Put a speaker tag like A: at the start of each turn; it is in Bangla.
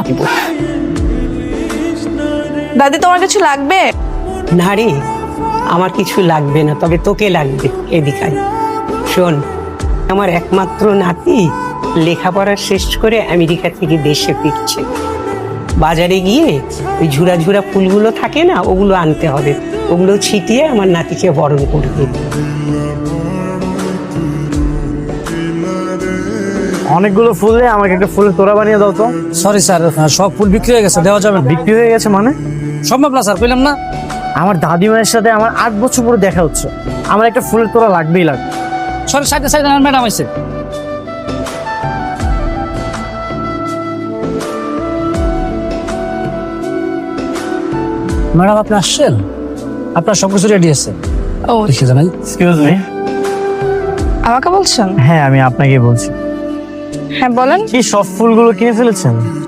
A: দিব।
B: দাদি তোমার কিছু লাগবে?
A: না রে, আমার কিছু লাগবে না, তবে তোকে লাগবে। এদিকে আয়। শোন, আমার একমাত্র নাতি লেখাপড়া শেষ করে আমেরিকা থেকে দেশে ফিরছে। বাজারে গিয়ে ওই ঝুরা ঝুরা ফুলগুলো থাকে না, ওগুলো আনতে হবে। ওগুলো ছিটিয়ে আমার নাতিকে বরণ করবে।
C: অনেকগুলো ফুল দিয়ে আমাকে একটা ফুলের তোড়া বানিয়ে দাও তো।
D: সরি স্যার, সব ফুল বিক্রি হয়ে গেছে, দেওয়া যাবে না।
C: বিক্রি হয়ে গেছে মানে?
D: সম্ভব না স্যার, কইলাম না।
C: আমার দাদিমায়ের সাথে আমার 8 বছর পরে দেখা হচ্ছে, আমার একটা ফুলের তোড়া লাগবেই লাগবে।
D: সরি, সাইডে সাইডে ম্যাডাম আইছে। ম্যাডাম আপনি আসছেন? আপনার সব কিছু রেডি আছে?
B: ও
D: লিখে জানাই।
C: Excuse me.
B: আমাকে বলছেন?
C: হ্যাঁ, আমি আপনাকে বলছি।
B: হ্যাঁ বলেন।
C: কি সব ফুলগুলো কিনে ফেলেছেন?